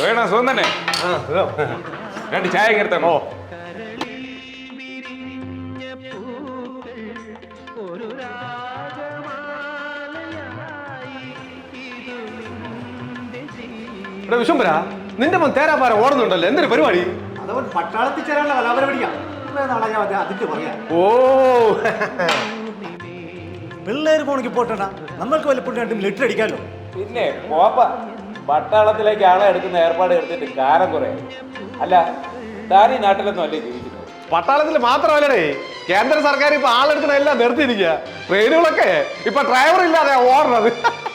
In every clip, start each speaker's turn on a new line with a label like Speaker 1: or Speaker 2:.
Speaker 1: വേണോ സുഖം തന്നെ? രണ്ട് ചായ കയർത്തണോ?
Speaker 2: വിശ്വംബര, നിന്റെ മോൻ തേരാപാര ഓടുന്നുണ്ടല്ലോ, എന്തൊരു പരിപാടി?
Speaker 3: അതവൻ പട്ടാളത്തിൽ ചേരാനുള്ള കലാപരിപാടിയാ. അതിന്റെ പറയാ.
Speaker 2: ഓ,
Speaker 3: പിള്ളേര് പോണെങ്കിൽ പോട്ടണ്ട, നമ്മൾക്ക് വല്ലപ്പോഴും രണ്ടും ലിറ്റർ അടിക്കാമല്ലോ.
Speaker 1: പിന്നെ പോപ്പ പട്ടാളത്തിലേക്ക് ആളെ എടുക്കുന്ന ഏർപ്പാട് എടുത്തിട്ട് കാലം കുറെ. അല്ല, താൻ ഈ നാട്ടിലൊന്നും അല്ലേ ജീവിക്കുന്നത്?
Speaker 2: പട്ടാളത്തിൽ മാത്രമല്ലേ, കേന്ദ്ര സർക്കാർ ഇപ്പൊ ആളെടുക്കണ എല്ലാം നിർത്തിയിരിക്കുക. ട്രെയിനുകളൊക്കെ ഇപ്പൊ ഡ്രൈവർ ഇല്ലാതെ ഓടണത്.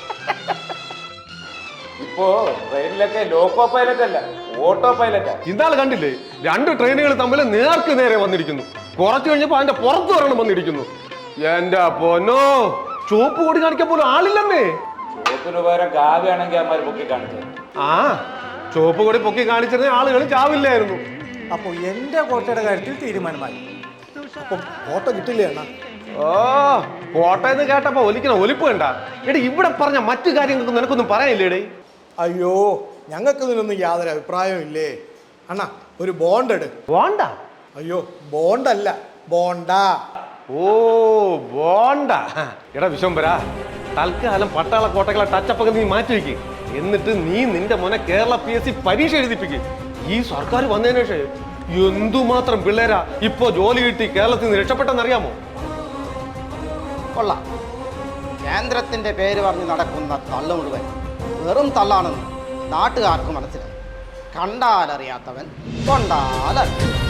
Speaker 1: ഇപ്പോ ട്രെയിനിലൊക്കെ ലോക്കോ പൈലറ്റ് അല്ല, ഓട്ടോ പൈലറ്റാ.
Speaker 2: ഇന്നാള് കണ്ടില്ലേ, 2 ട്രെയിനുകൾ തമ്മിൽ നേർക്ക് നേരെ വന്നിരിക്കുന്നു. കുറച്ചു കഴിഞ്ഞപ്പോ അതിന്റെ പുറത്ത് വരണം വന്നിരിക്കുന്നു. എന്റെ പൊന്നോ, ചുവപ്പ് കൊടി കാണിക്കാൻ പോലും ആളില്ലെന്നേ.
Speaker 1: ചുവപ്പിന് പകരം കാവ്യാണെങ്കിൽ അമ്മ പൊക്കി കാണിച്ചത്.
Speaker 2: ആ, ചുവപ്പ് കൊടി പൊക്കി കാണിച്ചിരുന്ന ആളുകൾ ചാവില്ലായിരുന്നു.
Speaker 3: അപ്പൊ എന്റെ കോട്ടയുടെ കാര്യത്തിൽ തീരുമാനമായി. അപ്പൊ കോട്ട കിട്ടില്ലേ അണ്ണാ?
Speaker 2: ഓ, കോട്ടയെന്ന് കേട്ടപ്പോ ഒലിക്കണ ഒലിപ്പ് കണ്ട. എടി, ഇവിടെ പറഞ്ഞ മറ്റു കാര്യങ്ങൾക്ക് നിനക്കൊന്നും പറയാനില്ലേടേ?
Speaker 3: അയ്യോ, ഞങ്ങൾക്ക് ഇതിനൊന്നും യാതൊരു അഭിപ്രായവും ഇല്ലേ അണ്ണാ. ഒരു ബോണ്ട് എടു.
Speaker 2: ബോണ്ട?
Speaker 3: അയ്യോ, ബോണ്ടല്ല, ബോണ്ടാ.
Speaker 2: ഓ, ബോണ്ട. എടാ വിശ്വംബര, തൽക്കാലം പട്ടാള കോട്ടകളെ ടച്ചപ്പൊക്കെ നീ മാറ്റി വെക്ക്. എന്നിട്ട് നീ നിന്റെ മോനെ കേരള PSC പരീക്ഷ എഴുതിപ്പിക്ക്. ഈ സർക്കാർ വന്നതിന് ശേഷം എന്തുമാത്രം പിള്ളേരാ ഇപ്പോ ജോലി കിട്ടി കേരളത്തിൽ നിന്ന് രക്ഷപ്പെട്ടെന്നറിയാമോ?
Speaker 4: കൊള്ളാം. കേന്ദ്രത്തിന്റെ പേര് പറഞ്ഞ് നടക്കുന്ന തള്ളു മുഴുവൻ വെറും തള്ളാണെന്ന് നാട്ടുകാർക്ക് മനസ്സിലായി. കണ്ടാലറിയാത്തവൻ കൊണ്ടാലറിയാം.